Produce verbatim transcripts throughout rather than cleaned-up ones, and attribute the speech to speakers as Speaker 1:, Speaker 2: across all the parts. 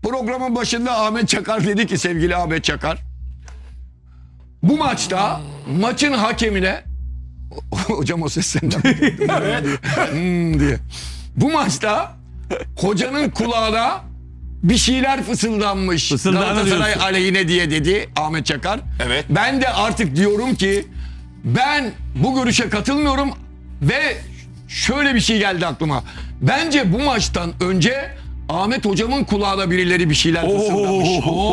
Speaker 1: Programın başında Ahmet Çakar dedi ki, sevgili Ahmet Çakar, bu maçta maçın hakemine hocam o ses senden hmm diye. Bu maçta hocanın kulağına bir şeyler fısıldanmış. Galatasaray aleyhine diye dedi Ahmet Çakar.
Speaker 2: Evet.
Speaker 1: Ben de artık diyorum ki ben bu görüşe katılmıyorum ve şöyle bir şey geldi aklıma. Bence bu maçtan önce Ahmet hocamın kulağına birileri bir şeyler fısıldamış.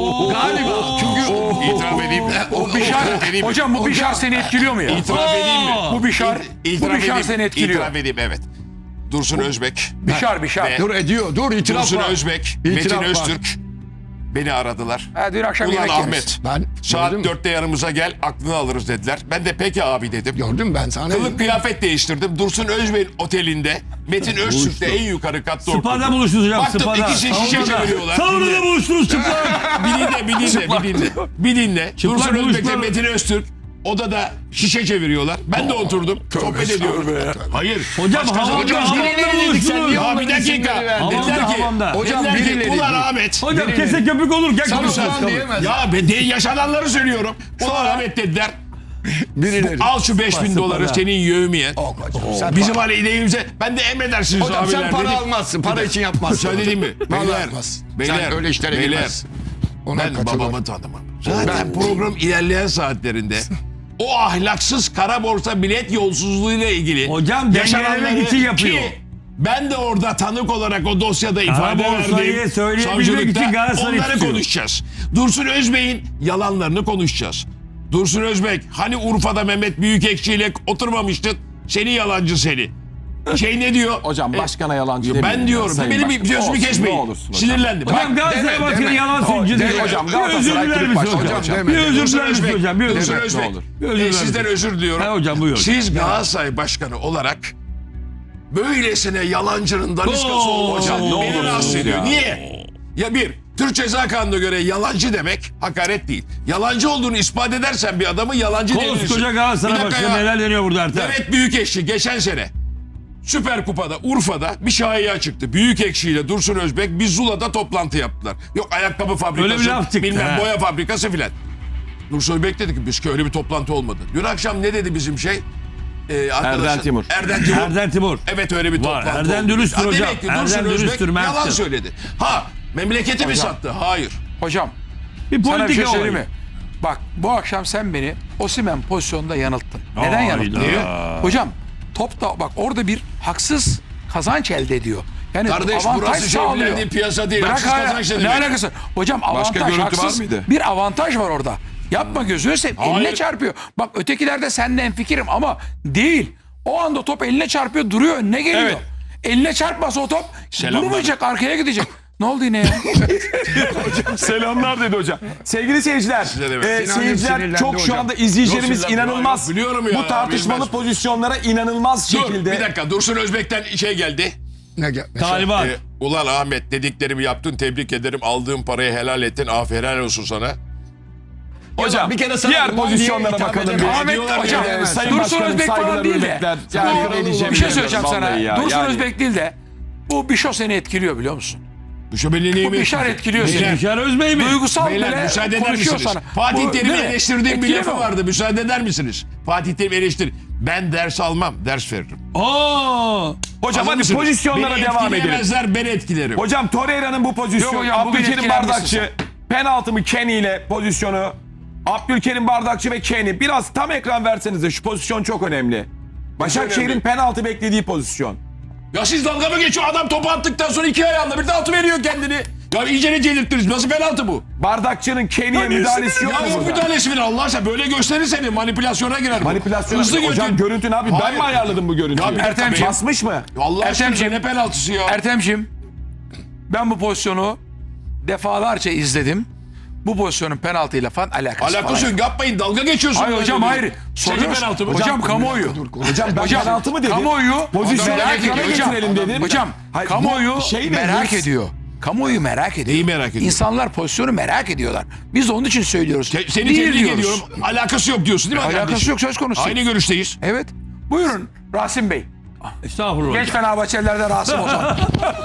Speaker 1: Galiba çünkü
Speaker 2: İtiraf edeyim mi?
Speaker 3: O Bişar, hocam bu Bişar seni etkiliyor mu ya?
Speaker 2: İtiraf edeyim mi?
Speaker 3: Bu Bişar,
Speaker 2: İtiraf
Speaker 3: bu Bişar
Speaker 2: edeyim.
Speaker 3: seni etkiliyor.
Speaker 2: İtiraf edeyim, evet. Dursun Özbek.
Speaker 3: Bişar, Bişar.
Speaker 2: Ve-
Speaker 1: dur ediyor, dur itiraf
Speaker 2: Dursun
Speaker 1: var.
Speaker 2: Özbek,
Speaker 1: İtiraf
Speaker 2: Metin
Speaker 1: var.
Speaker 2: Öztürk beni aradılar.
Speaker 3: Ha, dün akşam
Speaker 2: Ulan
Speaker 3: yemek
Speaker 2: Ahmet,
Speaker 3: yemişsin.
Speaker 1: Ben
Speaker 2: saat
Speaker 1: gördüm,
Speaker 2: dörtte yanımıza gel, aklını alırız dediler. Ben de peki abi dedim.
Speaker 1: gördüm ben sana.
Speaker 2: Kılık kıyafet değiştirdim. Dursun Özbek'in otelinde Metin Öztürk'te en yukarı katta
Speaker 4: Spada
Speaker 2: oturdum.
Speaker 4: buluştunuz hocam.
Speaker 2: Baktım
Speaker 4: Spada.
Speaker 2: ikisi şişe çeviriyorlar.
Speaker 4: Saunada buluştunuz çıplak.
Speaker 2: Bir dinle, bir dinle, bir dinle. Bir dinle.
Speaker 4: Çıplak
Speaker 2: Dursun Özbek'le
Speaker 4: buluşma.
Speaker 2: Metin Öztürk odada şişe çeviriyorlar. Ben de oturdum. Sohbet ediyorum. Hayır.
Speaker 4: Hocam
Speaker 2: Başka
Speaker 4: havanda
Speaker 2: hocam,
Speaker 4: havanda
Speaker 1: buluştunuz.
Speaker 2: Ya bir dakika.
Speaker 4: Havanda,
Speaker 2: Dediler ki,
Speaker 4: havanda.
Speaker 1: Hocam
Speaker 2: dediler ki,
Speaker 1: birileri-
Speaker 2: ulan Ahmet.
Speaker 4: Hocam
Speaker 1: Birileri-
Speaker 4: kese köpük olur. Gel
Speaker 1: Sana
Speaker 4: konuşalım.
Speaker 1: ulan diyemez.
Speaker 2: Ya ben de yaşananları söylüyorum. Ulan Ahmet dediler.
Speaker 1: Birileri.
Speaker 2: Al şu beş bin doları senin yövmiye.
Speaker 1: Oh, hocam, sen
Speaker 2: Bizim
Speaker 1: para-
Speaker 2: aleyhimize. Ben de emredersiniz
Speaker 1: Hocam
Speaker 2: abiler
Speaker 1: sen para
Speaker 2: dedim.
Speaker 1: almazsın. Para için yapmazsın.
Speaker 2: Söyledim mi?
Speaker 1: Vallahi
Speaker 2: Beyler.
Speaker 1: yapmaz.
Speaker 2: Beyler.
Speaker 1: Sen öyle işlere
Speaker 2: beyler.
Speaker 1: girmezsin. Ona
Speaker 2: Ben
Speaker 1: katılıyorum.
Speaker 2: babamı tanımam. Zaten program ilerleyen saatlerinde o ahlaksız kara borsa bilet yolsuzluğuyla ilgili
Speaker 4: Hocam
Speaker 2: yaşananları
Speaker 4: dengelemek için yapıyor.
Speaker 2: ki ben de orada tanık olarak o dosyada ifade
Speaker 4: borsayı
Speaker 2: verdiğim
Speaker 4: söyleyebilmek
Speaker 2: savcılıkta
Speaker 4: için Galatasaray'ı
Speaker 2: onları
Speaker 4: tutuyor.
Speaker 2: konuşacağız. Dursun Özbek'in yalanlarını konuşacağız. Dursun Özbek hani Urfa'da Mehmet Büyükekşi ile oturmamıştın, seni yalancı seni. Şey ne diyor?
Speaker 5: Hocam başkana yalancı
Speaker 2: Ben
Speaker 5: demeyin
Speaker 2: diyorum.
Speaker 5: ya, sayın
Speaker 2: Benim bir
Speaker 5: başkanım.
Speaker 2: sözümü
Speaker 5: Olsun,
Speaker 2: kesmeyin.
Speaker 5: ne olursun hocam.
Speaker 2: Sinirlendim.
Speaker 4: Hocam
Speaker 2: Bak,
Speaker 4: Galatasaray
Speaker 1: deme,
Speaker 4: Başkanı
Speaker 1: deme.
Speaker 4: yalan söylüyor.
Speaker 1: Deme
Speaker 4: diyor.
Speaker 5: hocam,
Speaker 4: Bir özür
Speaker 5: Galatasaray
Speaker 4: diler
Speaker 5: kulüp
Speaker 4: misin
Speaker 5: başkanı
Speaker 4: hocam?
Speaker 5: hocam.
Speaker 4: Bir özür
Speaker 2: Dursun
Speaker 4: diler misin
Speaker 2: Özbek,
Speaker 4: hocam? Bir özür
Speaker 2: Dursun
Speaker 4: diler.
Speaker 2: Özbek.
Speaker 5: Ne olur.
Speaker 4: Bir özür
Speaker 2: E,
Speaker 4: diler
Speaker 2: sizden
Speaker 4: misin?
Speaker 2: özür diliyorum.
Speaker 4: Ha hocam, buyur.
Speaker 2: Siz Galatasaray Başkanı olarak böylesine yalancının daniskası
Speaker 4: Oo,
Speaker 2: olmak
Speaker 4: hocam, ne
Speaker 2: beni rahatsız
Speaker 5: olursunuz
Speaker 2: ediyor.
Speaker 5: ya.
Speaker 2: Niye? Ya bir, Türk Ceza Kanunu'na göre yalancı demek hakaret değil. Yalancı olduğunu ispat edersen bir adamı yalancı diyebilirsin.
Speaker 4: Koskoca Galatasaray
Speaker 2: Bir dakika
Speaker 4: Başkanı
Speaker 2: ya.
Speaker 4: neler deniyor burada Ertem?
Speaker 2: Mehmet Büyükekşi geçen sene Süper Kupa'da Urfa'da bir şahia çıktı. Büyükekşi ile Dursun Özbek bir Zula'da toplantı yaptılar. Yok ayakkabı fabrikası,
Speaker 4: Öyle bir laf çıktı,
Speaker 2: bilmem
Speaker 4: he.
Speaker 2: boya fabrikası filan. Dursun Özbek dedi ki biz ki öyle bir toplantı olmadı. Dün akşam ne dedi bizim şey? Ee, arkadaşlar-
Speaker 5: Erden Timur.
Speaker 2: Erden Timur.
Speaker 4: Erden Timur.
Speaker 2: Evet öyle bir
Speaker 4: Var,
Speaker 2: toplantı
Speaker 4: Erden
Speaker 2: oldu.
Speaker 4: dürüsttür
Speaker 2: Ha,
Speaker 4: hocam.
Speaker 2: Demek ki
Speaker 4: Erden
Speaker 2: Dursun Özbek
Speaker 4: dürüsttür,
Speaker 2: yalan
Speaker 4: merttir.
Speaker 2: söyledi. Ha memleketi mi
Speaker 3: Hocam.
Speaker 2: sattı? Hayır.
Speaker 3: Hocam
Speaker 4: Bir
Speaker 3: sana bir şey
Speaker 4: politika
Speaker 3: söyleyeyim
Speaker 4: olayı.
Speaker 3: mi? Bak bu akşam sen beni Osimhen pozisyonunda yanılttın. Neden
Speaker 4: Hayda.
Speaker 3: yanılttın? Hocam top da bak orada bir haksız kazanç elde ediyor. Yani
Speaker 2: Kardeş
Speaker 3: avantaj
Speaker 2: burası
Speaker 3: sağlıyor.
Speaker 2: şevlendiği piyasa değil.
Speaker 3: Bırak
Speaker 2: Haksız
Speaker 3: hala-
Speaker 2: kazanç ne
Speaker 3: ne
Speaker 2: demek?
Speaker 3: alakası? Hocam avantaj
Speaker 5: görüntü var
Speaker 3: haksız.
Speaker 5: mıydı?
Speaker 3: Bir avantaj var orada. Yapma gözünü seveyim.
Speaker 2: Hayır.
Speaker 3: Eline çarpıyor. Bak ötekilerde seninle hemfikirim ama değil. O anda top eline çarpıyor duruyor önüne geliyor.
Speaker 2: Evet.
Speaker 3: Eline çarpmasa o top
Speaker 2: Selamlar.
Speaker 3: durmayacak arkaya gidecek. Ne oldu yine ya?
Speaker 5: Selamlar dedi hocam. Sevgili seyirciler,
Speaker 2: Size de evet.
Speaker 5: e,
Speaker 1: Sinan'cığım
Speaker 5: seyirciler
Speaker 1: sinirlendi
Speaker 5: çok şu
Speaker 1: hocam.
Speaker 5: anda izleyicilerimiz
Speaker 2: Yok, sinirlendi.
Speaker 5: inanılmaz.
Speaker 2: Yok, biliyorum ya,
Speaker 5: Bu tartışmalı
Speaker 2: bilmez.
Speaker 5: pozisyonlara inanılmaz
Speaker 2: Dur
Speaker 5: şekilde.
Speaker 2: bir dakika Dursun Özbek'ten şey geldi.
Speaker 1: Ne gel?
Speaker 4: Taliban.
Speaker 2: Ee, ulan Ahmet dediklerimi yaptın tebrik ederim aldığın parayı helal ettin aferin helal olsun sana.
Speaker 5: Hocam
Speaker 1: bir kere sana
Speaker 5: diğer
Speaker 1: ulan diye
Speaker 5: pozisyonlara
Speaker 1: hitap
Speaker 5: bakalım.
Speaker 1: edemem.
Speaker 5: bir.
Speaker 3: Ahmet
Speaker 2: diyorlar ki,
Speaker 3: hocam
Speaker 2: evet,
Speaker 5: Sayın
Speaker 3: Dursun
Speaker 5: Başkanım,
Speaker 3: Özbek falan
Speaker 5: saygılar,
Speaker 3: değil de
Speaker 5: hürmetler. Yani
Speaker 3: bu-
Speaker 5: ne
Speaker 3: bir
Speaker 5: diyeceğimi
Speaker 3: şey söyleyeceğim
Speaker 5: bilmiyorum
Speaker 3: sana.
Speaker 5: vallahi ya.
Speaker 3: Dursun
Speaker 5: Yani-
Speaker 3: Özbek değil de bu Bişo seni etkiliyor biliyor musun?
Speaker 2: Bu şu beni
Speaker 3: Bu
Speaker 2: neyimi?
Speaker 3: Bişar etkiliyor
Speaker 2: Beyler,
Speaker 3: seni.
Speaker 4: Bişar Özbey mi?
Speaker 3: Duygusal
Speaker 2: Beyler
Speaker 3: bile
Speaker 2: müsaade eder
Speaker 3: konuşuyor
Speaker 2: misiniz?
Speaker 3: sana.
Speaker 2: Fatih
Speaker 3: Bu-
Speaker 2: Terim'i
Speaker 3: değil mi?
Speaker 2: eleştirdiğim bir
Speaker 3: Etkiliyor
Speaker 2: lafı
Speaker 3: mu?
Speaker 2: vardı. Müsaade eder misiniz? Fatih Terim eleştir. Ben ders almam, ders veririm.
Speaker 4: Aa!
Speaker 5: Hocam
Speaker 2: Hazır
Speaker 5: hadi
Speaker 2: mısınız?
Speaker 5: pozisyonlara
Speaker 2: Beni
Speaker 5: devam edelim.
Speaker 2: etkileyemezler, ben etkilerim.
Speaker 5: Hocam Torreira'nın bu pozisyonu,
Speaker 3: Yok hocam, bugün
Speaker 5: Abdülkerim
Speaker 3: etkilenmişsin
Speaker 5: Bardakçı, penaltı mı Kenny ile pozisyonu, Abdülkerim Bardakçı ve Kenny. Biraz tam ekran versenize, şu pozisyon çok önemli. Başakşehir'in
Speaker 2: önemli?
Speaker 5: penaltı beklediği pozisyon.
Speaker 2: Ya siz dalga mı geçiyor? Adam topu attıktan sonra iki ayağında bir de altı veriyor kendini. Ya iyice ne celirttiniz? Nasıl penaltı bu?
Speaker 5: Bardakçı'nın Kenny'ye müdahalesi yok
Speaker 2: Ya
Speaker 5: mu
Speaker 2: yok
Speaker 5: burada?
Speaker 2: müdahalesi mi? Allah aşkına böyle gösterir seni. Manipülasyona girer bu.
Speaker 5: Manipülasyon.
Speaker 2: Hızlı
Speaker 5: Hocam
Speaker 2: götür.
Speaker 5: görüntü ne abi? Ben
Speaker 2: Hayır.
Speaker 5: mi ayarladım bu görüntüyü?
Speaker 2: Ya bir dakika,
Speaker 3: Ertemciğim.
Speaker 2: ben-
Speaker 5: Basmış mı?
Speaker 2: Allah aşkına
Speaker 3: Ertemciğim.
Speaker 2: ne penaltısı ya?
Speaker 3: Ertemciğim ben bu pozisyonu defalarca izledim. Bu pozisyonun penaltıyla falan alakası,
Speaker 2: Alakası
Speaker 3: falan.
Speaker 2: yok. Yapmayın. Dalga geçiyorsun.
Speaker 3: Hayır hocam hayır.
Speaker 2: Sence
Speaker 3: Soruyoruz.
Speaker 2: penaltı mı?
Speaker 3: Hocam kamuoyu.
Speaker 5: Hocam ben
Speaker 3: Hocam,
Speaker 5: penaltı mı dedim?
Speaker 3: Kamuoyu
Speaker 5: Pozisyonu
Speaker 3: merak
Speaker 5: ekrana
Speaker 3: ediyor hocam.
Speaker 5: getirelim dedim.
Speaker 3: Hocam
Speaker 5: Hayır, bu
Speaker 3: kamuoyu
Speaker 5: şey ne?
Speaker 3: merak
Speaker 5: Hırs-
Speaker 3: ediyor. Kamuoyu merak ediyor.
Speaker 2: Neyi merak ediyor?
Speaker 3: İnsanlar pozisyonu merak ediyorlar. Biz de onun için söylüyoruz.
Speaker 2: Te- Seni
Speaker 3: Değil
Speaker 2: tebrik
Speaker 3: diyoruz.
Speaker 2: ediyorum. Alakası yok diyorsun değil mi?
Speaker 3: Alakası
Speaker 2: kardeşim?
Speaker 3: yok, söz konusu.
Speaker 2: Aynı görüşteyiz.
Speaker 3: Evet. Buyurun Rasim Bey.
Speaker 4: Estağfurullah.
Speaker 3: Genç Fenerbahçelilerden Rasim Ozan.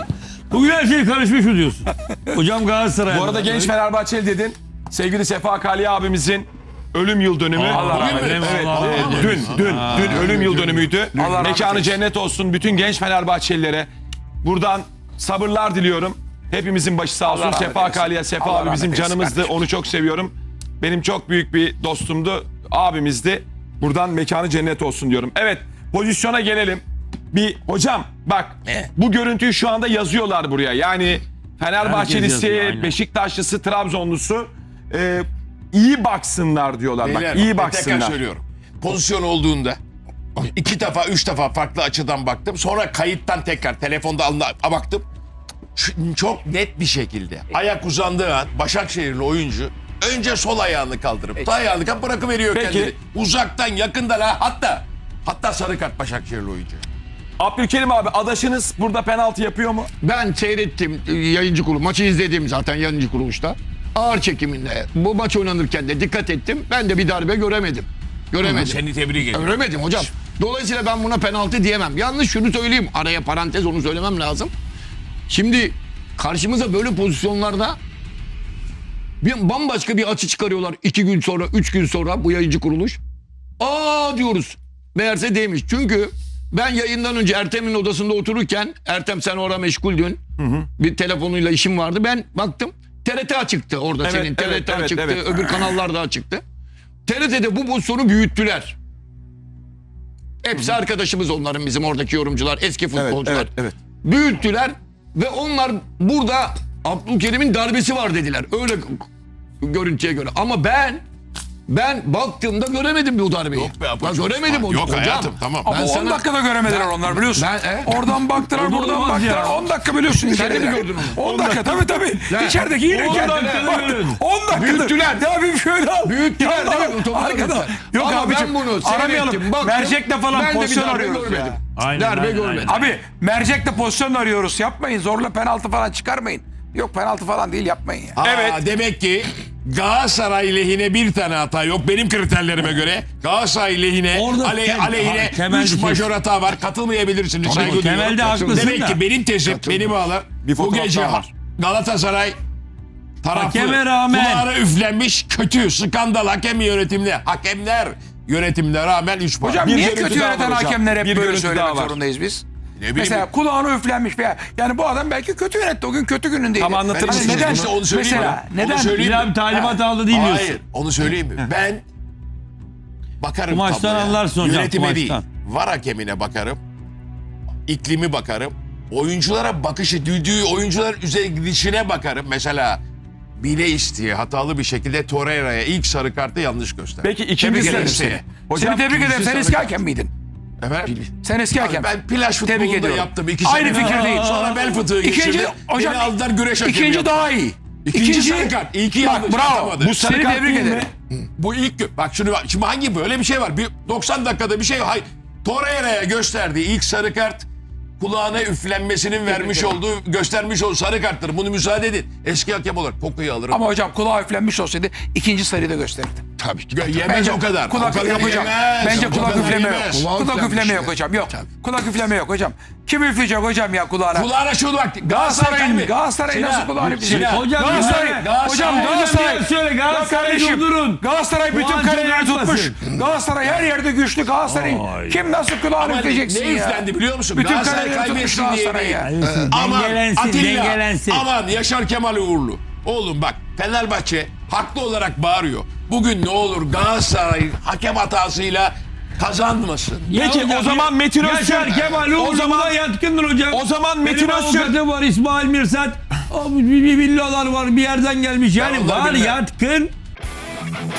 Speaker 4: Bugün her şey karışmış mı diyorsun? Hocam Galatasaray.
Speaker 5: Bu arada genç Fenerbahçeli dedin. Sevgili Sefa Kali abimizin ölüm yıl dönümü.
Speaker 4: Allah rahmet
Speaker 5: Evet,
Speaker 4: eylesin.
Speaker 5: evet,
Speaker 4: Allah
Speaker 5: e,
Speaker 4: rahmet
Speaker 5: dün,
Speaker 4: eylesin.
Speaker 5: dün, dün ölüm yıl dönümüydü.
Speaker 3: Allah rahmet
Speaker 5: Mekanı
Speaker 3: eylesin.
Speaker 5: cennet olsun bütün genç Fenerbahçelilere. Buradan sabırlar diliyorum. Hepimizin başı sağ olsun.
Speaker 3: rahmet
Speaker 5: Sefa
Speaker 3: eylesin.
Speaker 5: Kali'ye, Sefa
Speaker 3: Allah
Speaker 5: abi bizim
Speaker 3: rahmet eylesin
Speaker 5: canımızdı.
Speaker 3: kardeşim.
Speaker 5: Onu çok seviyorum. Benim çok büyük bir dostumdu, abimizdi. Buradan mekanı cennet olsun diyorum. Evet, pozisyona gelelim. Bir hocam bak
Speaker 2: Ne?
Speaker 5: bu görüntüyü şu anda yazıyorlar buraya. Yani Fenerbahçelisi,
Speaker 4: yazıyor, aynen.
Speaker 5: Beşiktaşlısı, Trabzonlusu e, iyi baksınlar diyorlar.
Speaker 2: Beyler,
Speaker 5: bak iyi
Speaker 2: bak, Tekrar
Speaker 5: baksınlar.
Speaker 2: söylüyorum. Pozisyon olduğunda iki defa, üç defa farklı açıdan baktım. Sonra kayıttan tekrar telefonda alına baktım. Ç- Çok net bir şekilde ayak uzandığı an Başakşehirli oyuncu önce sol ayağını kaldırıp sağ ayağını kaldırıp bırakıveriyor
Speaker 5: Peki.
Speaker 2: kendini. Uzaktan, yakından ha, hatta hatta sarı kart Başakşehirli oyuncu.
Speaker 5: Abdülkerim abi adaşınız burada penaltı yapıyor mu?
Speaker 1: Ben seyrettim e, yayıncı kurulu. Maçı izledim zaten yayıncı kuruluşta. Ağır çekiminde bu maç oynanırken de dikkat ettim. Ben de bir darbe göremedim. Göremedim.
Speaker 2: Seni tebrik ediyorum.
Speaker 1: Göremedim hocam. Dolayısıyla ben buna penaltı diyemem. Yalnız şunu söyleyeyim. Araya parantez onu söylemem lazım. Şimdi karşımıza böyle pozisyonlarda bir bambaşka bir açı çıkarıyorlar. iki gün sonra, üç gün sonra bu yayıncı kuruluş. Aa diyoruz. Meğerse değilmiş. Çünkü ben yayından önce Ertem'in odasında otururken, Ertem sen orada meşguldün. Bir telefonuyla işim vardı. Ben baktım T R T açıktı orada
Speaker 5: Evet,
Speaker 1: senin.
Speaker 5: evet,
Speaker 1: T R T
Speaker 5: evet,
Speaker 1: açıktı.
Speaker 5: evet.
Speaker 1: Öbür kanallar da açıktı. T R T'de bu pozisyonu büyüttüler. Hepsi arkadaşımız onların, bizim oradaki yorumcular, eski futbolcular.
Speaker 5: evet, evet.
Speaker 1: Büyüttüler ve onlar burada Abdülkerim'in darbesi var dediler. Öyle görüntüye göre. Ama ben ben baktığımda göremedim bu darbeyi.
Speaker 2: Yok be,
Speaker 1: Ben
Speaker 2: apaçık.
Speaker 1: göremedim hocam.
Speaker 2: Yok hayatım, tamam.
Speaker 3: Ama
Speaker 1: Ben
Speaker 3: on
Speaker 1: sana-
Speaker 3: dakikada göremediler
Speaker 1: Ben-
Speaker 3: onlar biliyorsun.
Speaker 1: Ben- e?
Speaker 3: Oradan baktılar,
Speaker 4: O da
Speaker 3: buradan
Speaker 4: olmaz
Speaker 3: baktılar.
Speaker 4: ya.
Speaker 3: on dakika biliyorsun.
Speaker 1: Sen de mi
Speaker 3: içerideler.
Speaker 1: gördün onu?
Speaker 3: on dakika tabii tabii.
Speaker 1: Lan,
Speaker 3: İçerideki yine
Speaker 1: on
Speaker 3: geldi.
Speaker 1: dakikada
Speaker 3: Bak,
Speaker 4: görün.
Speaker 3: on dakikada.
Speaker 4: Büyüttüler.
Speaker 3: Ya bir şöyle al.
Speaker 1: Büyüttüler
Speaker 3: Ya
Speaker 1: değil mi? Topu da
Speaker 3: arkada.
Speaker 1: büyüttüler.
Speaker 3: Yok
Speaker 1: Ama
Speaker 3: abicim.
Speaker 1: ben bunu
Speaker 3: Aramayalım.
Speaker 1: seyrettim, baktım.
Speaker 3: Mercek'le falan
Speaker 1: Ben de bir
Speaker 3: pozisyon
Speaker 1: darbe
Speaker 3: arıyoruz
Speaker 1: görmedim.
Speaker 3: ya.
Speaker 4: Aynen,
Speaker 1: Darbe
Speaker 4: aynen,
Speaker 1: görmedim.
Speaker 4: aynen.
Speaker 3: Abi Mercek'le pozisyon arıyoruz. Yapmayın. Zorla penaltı falan çıkarmayın. Yok penaltı falan değil, yapmayın ya.
Speaker 2: Aa,
Speaker 5: Evet.
Speaker 2: Demek ki Galatasaray lehine bir tane hata yok benim kriterlerime göre. Galatasaray lehine,
Speaker 4: Orada
Speaker 2: ale,
Speaker 4: tem-
Speaker 2: aleyhine
Speaker 4: ha, temel
Speaker 2: üç
Speaker 4: bir şey-
Speaker 2: majör hata var. Katılmayabilirsiniz. Saygı duyuyorum.
Speaker 4: temelde haklısın
Speaker 2: Demek
Speaker 4: da.
Speaker 2: ki benim tezim, beni bağlar.
Speaker 5: Bir
Speaker 2: Bu
Speaker 5: fotoğraf
Speaker 2: gece
Speaker 5: daha var.
Speaker 2: Galatasaray taraflı,
Speaker 4: Hakeme rağmen.
Speaker 2: kulağına üflenmiş kötü, skandal hakem yönetimli. Hakemler yönetimine rağmen üç puan.
Speaker 3: Hocam
Speaker 5: Bir
Speaker 3: niye
Speaker 5: görüntü
Speaker 3: kötü
Speaker 5: daha
Speaker 3: yöneten
Speaker 5: var hocam.
Speaker 3: hakemler hep
Speaker 5: Bir
Speaker 3: böyle
Speaker 5: görüntü
Speaker 3: söylemek
Speaker 5: daha var.
Speaker 3: zorundayız biz?
Speaker 2: bileyim.
Speaker 3: Mesela kulağına üflenmiş veya yani bu adam belki kötü yönetti, o gün kötü günündeydi.
Speaker 5: Tam anlatır
Speaker 3: Hani
Speaker 5: mısınız
Speaker 3: neden?
Speaker 2: İşte onu söyleyeyim
Speaker 3: Mesela
Speaker 2: mi? Onu
Speaker 3: neden?
Speaker 2: söyleyeyim
Speaker 4: Bir abi talimat aldı değil diyorsun.
Speaker 2: Hayır, onu söyleyeyim mi? Ben bakarım
Speaker 4: Bu maçtan
Speaker 2: tabloya.
Speaker 4: anlarsın hocam,
Speaker 2: Yönetime
Speaker 4: bu
Speaker 2: değil,
Speaker 4: maçtan.
Speaker 2: var hakemine bakarım. İklimi bakarım. Oyunculara bakışı, düdüğü oyuncuların üzerine gidişine bakarım. Mesela bile isteye hatalı bir şekilde Torreira'ya ilk sarı kartı yanlış gösterdi.
Speaker 5: Peki ikinci
Speaker 2: Tebrik
Speaker 5: sarı-
Speaker 2: ederim seni.
Speaker 3: Seni tebrik ederim. Sen eski hakem miydin?
Speaker 2: Efendim?
Speaker 3: Sen eski
Speaker 2: Abi
Speaker 3: hakem.
Speaker 2: ben plaj
Speaker 3: Tebrik
Speaker 2: futbolunda
Speaker 3: ediyorum.
Speaker 2: yaptım. İki
Speaker 3: Aynı
Speaker 2: sene.
Speaker 3: fikirdeyim.
Speaker 2: Sonra bel fıtığı
Speaker 3: İkinci,
Speaker 2: geçirdim.
Speaker 3: hocam,
Speaker 2: Beni aldılar güreş hakemi
Speaker 3: İkinci
Speaker 2: yaptılar.
Speaker 3: daha iyi.
Speaker 2: İkinci sarı kart. İyi ki
Speaker 3: Bak
Speaker 2: yanlış
Speaker 3: bravo.
Speaker 2: atamadı.
Speaker 3: Bu sarı
Speaker 5: Seni
Speaker 3: kart
Speaker 5: tebrik
Speaker 3: değil
Speaker 5: ederim.
Speaker 3: mi?
Speaker 2: Bu ilk gö- bak şunu bak. Şimdi hangi böyle bir şey var? Bir doksan dakikada bir şey var. Hayır. Torreira'ya gösterdiği ilk sarı kart kulağına üflenmesinin vermiş olduğu, göstermiş olduğu sarı karttır. Bunu müsaade edin. Eski hakem olarak kokuyu alırım.
Speaker 3: Ama hocam kulağı üflenmiş olsaydı ikinci sarıyı da gösterirdi.
Speaker 1: Tabii ki.
Speaker 2: Gö- yemez o kadar.
Speaker 3: Kulak
Speaker 2: o kadar
Speaker 3: yok hocam.
Speaker 2: yemez.
Speaker 3: Bence
Speaker 2: O
Speaker 3: kulak
Speaker 2: kadar
Speaker 3: üfleme yok.
Speaker 2: yemez.
Speaker 1: Kulak
Speaker 3: Kulak
Speaker 1: üflenmiş
Speaker 3: üfleme
Speaker 1: ya.
Speaker 3: yok hocam. Yok.
Speaker 1: Tabii.
Speaker 3: Kulak üfleme yok hocam. Kim üfleyecek hocam ya kulağına?
Speaker 2: Kulağına şunu bak. Galatasaray
Speaker 3: Galatasaray'ın
Speaker 2: kalbi.
Speaker 3: Galatasaray'ın
Speaker 2: Sinan,
Speaker 3: nasıl kulağını üfleyecek?
Speaker 2: Sinan.
Speaker 4: Hocam
Speaker 3: Galatasaray,
Speaker 4: ya.
Speaker 3: hocam
Speaker 2: Galatasaray-
Speaker 3: Galatasaray.
Speaker 4: Hocam söyle, Galatasaray'ı
Speaker 3: kardeşim,
Speaker 4: durdurun.
Speaker 3: Galatasaray bütün
Speaker 4: Puan
Speaker 3: karelerini
Speaker 4: yapmasın.
Speaker 3: tutmuş. Galatasaray her yerde güçlü. Galatasaray'ın kim nasıl kulağını
Speaker 2: Ama
Speaker 3: üfleyeceksin
Speaker 2: ne
Speaker 3: ya?
Speaker 2: üflendi biliyor musun?
Speaker 3: Bütün
Speaker 2: Galatasaray
Speaker 3: karelerini tutmuş
Speaker 2: kaybetsin diye
Speaker 3: Galatasaray ya.
Speaker 2: değil. Aman
Speaker 4: Dengelensin,
Speaker 2: Atilla,
Speaker 4: dengelensin.
Speaker 2: aman Yaşar Kemal Uğurlu. Oğlum bak Fenerbahçe haklı olarak bağırıyor. Bugün ne olur Galatasaray hakem hatasıyla kazanmasın.
Speaker 5: Peki
Speaker 4: hocam,
Speaker 5: o zaman Metin
Speaker 4: Yaşar
Speaker 5: Öztürk.
Speaker 4: Kemal
Speaker 5: O
Speaker 4: Uğurlu
Speaker 5: zaman
Speaker 4: buna yatkındır hocam.
Speaker 5: o zaman Metin
Speaker 4: Benim
Speaker 5: Öztürk.
Speaker 4: avukatı var, İsmail Mirsat. O bir bir villalar var, bir yerden gelmiş. Yani
Speaker 2: onları
Speaker 4: var
Speaker 2: bilmem.
Speaker 4: yatkın.